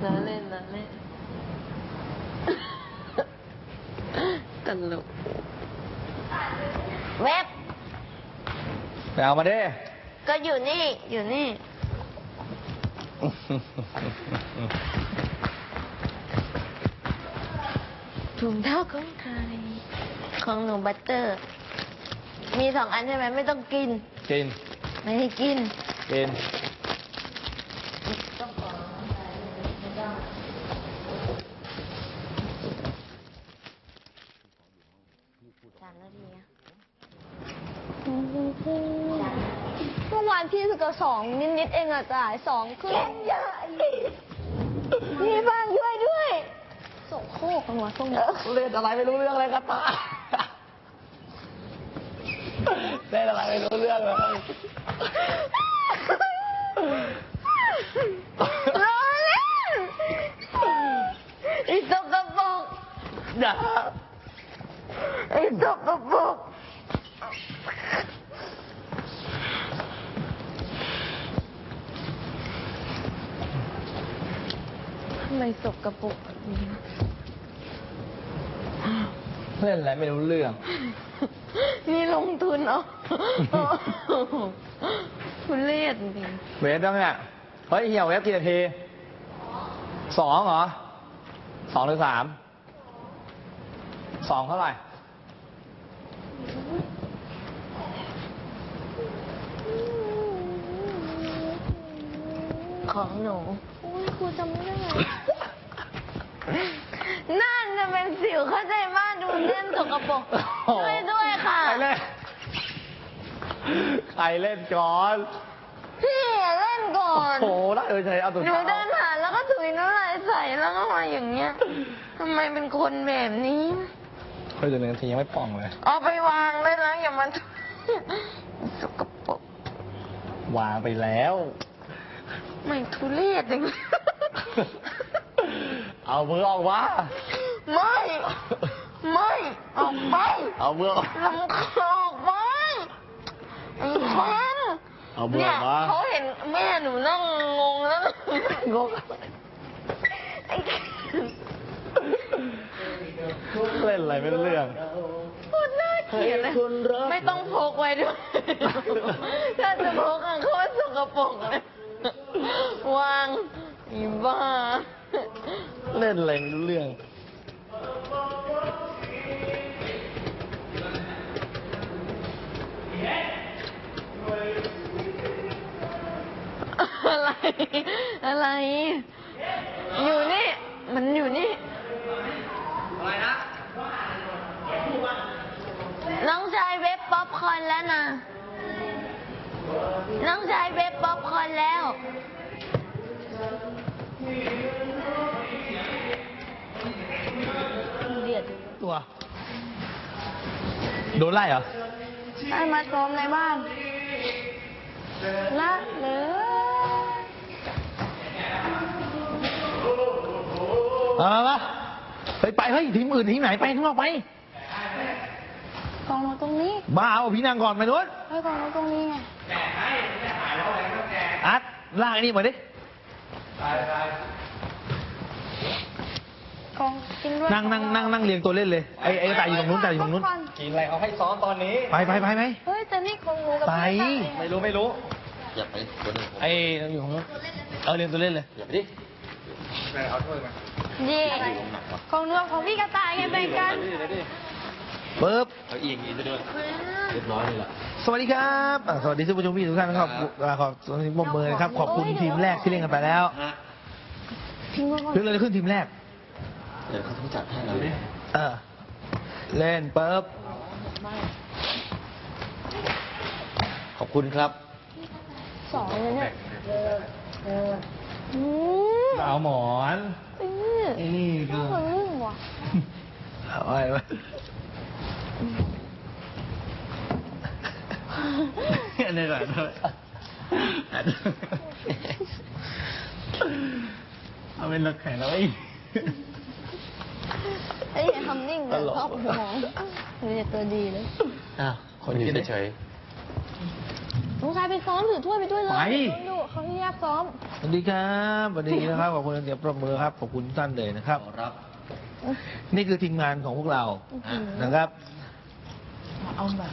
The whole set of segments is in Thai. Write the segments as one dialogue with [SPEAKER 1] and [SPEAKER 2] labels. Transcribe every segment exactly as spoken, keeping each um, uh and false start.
[SPEAKER 1] ล้อเล่นล้อเล่นตลกเว็บ
[SPEAKER 2] ไปเอามาดิ
[SPEAKER 1] ก็อยู่นี่อยู่นี่ถุงเท้าของใครของหนูบัตเตอร์มีสองอันใช่ไหมไม่ต้องกิน
[SPEAKER 2] กิน
[SPEAKER 1] ไม่ให้กิน
[SPEAKER 2] กิน
[SPEAKER 1] สามนาทีอะ
[SPEAKER 3] เมื่อวานพี่สกอร์สองนิดๆเองอะจ่ายสองคือใหญ่พี่บ้างช่วยด้วยส่งโคกกันวะส่ง
[SPEAKER 2] เล่นอะไรไม่รู้เรื่องเลยครับตาเล่นอะไรไม่รู้เรื่องเลย
[SPEAKER 1] ร้อนเล่นไอ้ตกกระปก
[SPEAKER 2] อย่า
[SPEAKER 1] ไอ้ตกกระปกทำไมสกปรกแบบนี้
[SPEAKER 2] เล่นอะไรไม่รู้เรื่อง
[SPEAKER 1] นี่ลงทุนเอาคุณเล่นจริง
[SPEAKER 2] เวฟต้องเนี่ยเฮ้ยเหี่ยวเวฟกี่นาทีสองเหรอสองหรือสามสองเท่าไหร่
[SPEAKER 1] ของหนู
[SPEAKER 3] อุ้ยครูจำไม่ได้
[SPEAKER 1] นั่นจะเป็นสิวเข้าใจมากดูเล่นสกปรกช่วยด้วยค่ะ
[SPEAKER 2] ใครเล่นใครเล่นก่อน
[SPEAKER 1] พี่เล่นก่อน
[SPEAKER 2] โอ้โหได้เออใช่เอาตัว
[SPEAKER 1] หนูเดินผ่านแล้วก็ถุยน้ำลายใส่แล้วก็มาอย่างเงี้ยทำไมเป็นคนแบบนี้
[SPEAKER 2] เฮ้ยเดี๋ยวหนึ่งนาทียังไม่ป่องเลย
[SPEAKER 1] เอาไปวางได้แล้วอย่ามาสกปรก
[SPEAKER 2] วางไปแล้ว
[SPEAKER 1] ไม่ทุเรศอย่างนี้
[SPEAKER 2] เอามือออกมา
[SPEAKER 1] ไม่ไม่ออกไป
[SPEAKER 2] เอามือออก
[SPEAKER 1] ลำคอออกไปไอ้พัน
[SPEAKER 2] เอามือออกมา
[SPEAKER 1] เขาเห็นแม่หนูนั่งงงแล้ว
[SPEAKER 2] งง
[SPEAKER 1] ไอ้
[SPEAKER 2] เล่นอะไรไม่รู้เรื่อง
[SPEAKER 1] พูดน่าเกลียดเลยไม่ต้องพกไว้ด้วยถ้าจะพกอะเขาสกปรกเลยวางอีบ้า
[SPEAKER 2] เล่นอะไรไม่รู้เรื่อง
[SPEAKER 1] อะไรอะไรอยู่นี่มันอยู่นี่อะไรนะน้องชายเว็บป๊อปคอร์นแล้วนะน้องชายเว็บป๊อปคอร์นแล้วเดือด
[SPEAKER 2] ตัวโดนไล่เหรอ
[SPEAKER 3] ไอ้มาซ้อมในบ้านละเลย
[SPEAKER 2] เอาละไปไปเฮ้ยทีมอื่นทีมไหนไปข้างนอกไป
[SPEAKER 3] กองมาตรงนี้
[SPEAKER 2] บ้าเอาพี่นางก่อนไปนู้น
[SPEAKER 3] เฮ้ยกองมาตรงนี้ไง
[SPEAKER 2] อัดลากไอ้นี่มาดิ
[SPEAKER 3] กองกินด้วย
[SPEAKER 2] นั่งนั่งนั่งนั่งเรียงตัวเล่นเลยไอ้ไอ้ตายอยู่ตรงนู้นตายอยู่ตรงนู้นกินอะไรเขาให้ซ้อมตอนนี้ไปไปไปไหม
[SPEAKER 3] เฮ้ยแต่นี่ของหนูกับ
[SPEAKER 2] ไปไม่รู้ไม่รู้อย่าไปตัวนึงไอ้อยู่ตรงนู้นเออเรียงตัวเล่นเลยอย่าไปดิไปเอาถ้วยมา
[SPEAKER 3] ดีของหนูของพี่กระต่ายไงแบ่งกัน
[SPEAKER 2] ปึ๊บ
[SPEAKER 4] เอาอีกอีกจะด้วยเรียบร้อยเลยล่ะ
[SPEAKER 2] สวัสดีครับสวัสดีท่านผู้ชมทุกท่านนะครับขอบสวัสดีผมเบอร์นะครับขอบคุณทีมแรกที่เล่นกันไปแล้วเรื่องอะไรขึ้นทีมแรก
[SPEAKER 4] เดี๋ยวเขาต้องจัดให้เรา
[SPEAKER 2] เออเล่นปึ๊บขอบคุณครับ
[SPEAKER 3] สองเลยเนี่ย
[SPEAKER 2] เอาหมอนไอ้นี่ก็เอาไว้ไว้อันนี้ก่อนเอาเป็นรถแข่งแล้วไอ้
[SPEAKER 3] ไอ้ทำนิ่งเลยชอบหัวหนูจะตัวดีเลย
[SPEAKER 2] อ้าวคนยืนเฉย
[SPEAKER 3] ลุงชายไปซ้อมถือถ้วยไปด้วยเลย
[SPEAKER 2] ไป
[SPEAKER 3] ดูเขาที่แยกซ้อม
[SPEAKER 5] วัสดีครับสวัสดีนะครับขอบคุณเดี๋ยวประเมินครับขอบคุณทุกท่านเลยนะครับ
[SPEAKER 4] ขอรับ
[SPEAKER 5] นี่คือทีมงานของพวกเรานะครับ
[SPEAKER 1] เอาแบบ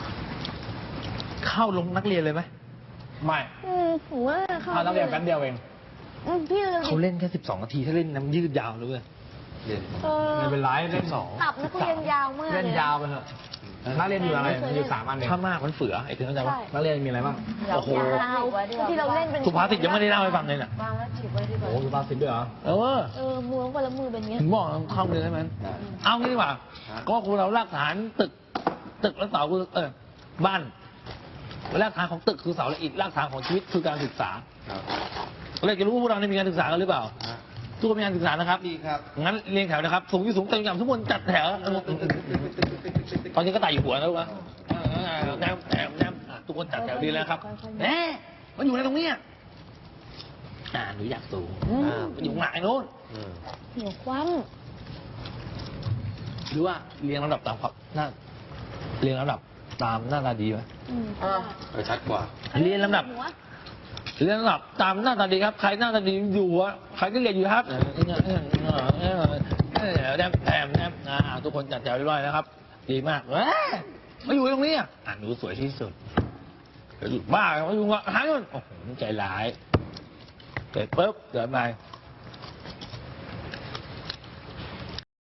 [SPEAKER 5] เข้าลงนักเรียนเลยไหม
[SPEAKER 2] ไม่
[SPEAKER 3] อืมผมว่าเขา
[SPEAKER 2] เอานักเรียนแป๊บเดียวเอง
[SPEAKER 3] อืมพี่เลย
[SPEAKER 5] เขาเล่นแค่สิบสองนาทีถ้าเล่นน้ำยืดยาวเลยเว้ย
[SPEAKER 4] เรียน
[SPEAKER 3] เออ
[SPEAKER 2] ไม่เป็นไรเล่นสอง
[SPEAKER 3] ตับนักเรียนยาวมาก
[SPEAKER 2] เล่นยาวไปเถอะนักเรียนอยู่อะไรมันอยู่สามอันเอง
[SPEAKER 5] ถ้ามากมันเฟือไอ้ถึงเข้าใจปะ
[SPEAKER 3] ใช่
[SPEAKER 2] นักเรียนมีอะไรบ้าง
[SPEAKER 5] โอ้โห
[SPEAKER 3] ยาวที่เราเล่นเป็น
[SPEAKER 5] สุภาษิตยังไม่ได้เล่าให้ฟังเลยน่ะ
[SPEAKER 1] วางแล้วจีบไว้ดีกว่า
[SPEAKER 2] โอ้โหสุภาษิตด้วยเหรอ
[SPEAKER 5] เออ
[SPEAKER 3] เออมือคนละมือเป็นอย่างเงี้ย
[SPEAKER 5] ถึงบอกเข้าเรียนได้ไหม
[SPEAKER 4] ได้
[SPEAKER 5] เอางี้ดีกว่า ก็คุณเรารากฐานตึก ตึกแล้วเสาคือเออบ้านรากฐานของตึกคือเสาและอิฐรากฐานของชีวิตคือการศึกษา
[SPEAKER 4] ครับ
[SPEAKER 5] เราจะรู้ว่าพวกเราเนี่ยมีการศึกษากันหรือเปล่า
[SPEAKER 4] ฮะ
[SPEAKER 5] ทุกคนมีการศึกษานะครับ
[SPEAKER 4] ดีครับ
[SPEAKER 5] งั้นเรียงแถวนะครับ สูงที่สูงเต็มยำทุกคนจัดแถวเออตอนนี้ก็ไต่อยู่หัวแล้ววะแนวแถวแนวทุกคนจัดแถวดีแล้วครับแหมมันอยู่ในตรงเนี้ยอ่าหนูอยากสูง
[SPEAKER 3] อืม
[SPEAKER 5] อ่ามันอยู่ข้างหลังไอ้โน้น
[SPEAKER 4] อืม
[SPEAKER 3] หัวคว่
[SPEAKER 5] หรือว่าเรียงลำดับตามครับหน้าเรียงลำดับตามหน้าตาดีไหม
[SPEAKER 3] ำอืม
[SPEAKER 1] อ่ะ
[SPEAKER 4] เออชัดกว่า
[SPEAKER 5] เรียนลำดับ
[SPEAKER 3] หัว
[SPEAKER 5] เรียนลำดับตามหน้าตาดีครับ ใครหน้าตาดีอยู่หัวใครก็เรียนอยู่ครับแนบแถมแนบอ่าทุกคนจัดแถวเรียบร้อยนะครับ ดีมากเว้ยมาอยู่ตรงนี้อ่ะอ่ะหนูสวยที่สุดเดี๋ยวอยู่บ้ามาอยู่อ่ะหายมันโอ้โหใจร้ายเสร็จปุ๊บเดินไป